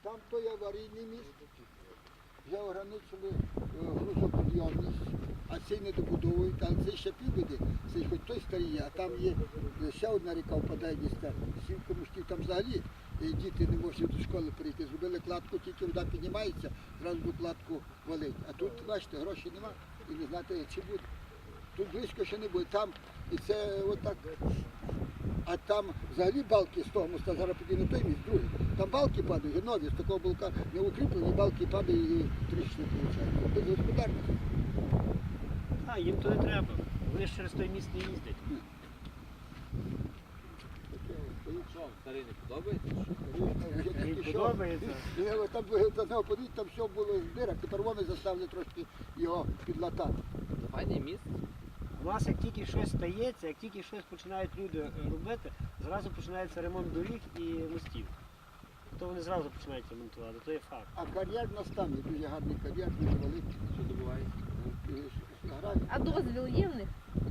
Там той аварійний міст, вже ограничили грузопідйомність, а цей не добудовують, але цей ще півбіди, цей хоч той старий, а там є ще одна ріка впадає десь 7 комуштів, там взагалі діти не можуть до школи перейти. Зробили кладку, тільки вода піднімається, зразу до кладку валить. А тут, бачите, грошей нема і не знаєте, чи буде. Тут близько ще не буде. Там, і це отак. А там взагалі балки з того моста, зараз піде на той міст, другий. Там балки падають, нові, з такого балка не укріплені, балки падають і тріщини виходить. Без господарності. А, їм то не треба. Вони ж через той міст не їздять. Що, старий не подобається? Їм подобається. Там подивіться, там все було в дирах, тепер вони заставили трошки його підлатати. Файне місце. У нас як тільки щось стається, як тільки щось починають люди робити, зразу починається ремонт доріг і мостів. То вони зразу починають ремонтувати, то є факт. А кар'єр у нас там є дуже гарний кар'єр, дуже великий. Що добувається? А дозвіл є в них?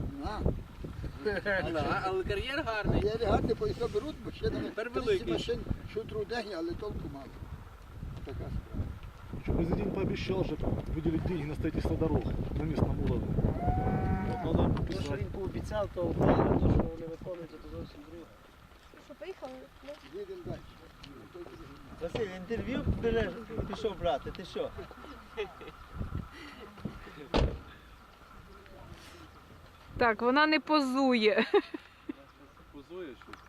Але кар'єр гарний. Кар'єр гарний, бо і то беруть машинами. Тепер 30 великий. машин шутру день, але толку мало. Така справа. Что президент пообещал же выделить деньги на строительство дорог на местном уровне. Вот надо То, що писать. він пообіцяв, то правда, то, що вони виконують, то зовсім друге. Що, поїхали? Їдемо далі. Василь, інтерв'ю пішов брати, ти що? Так, вона не позує. Позує щось.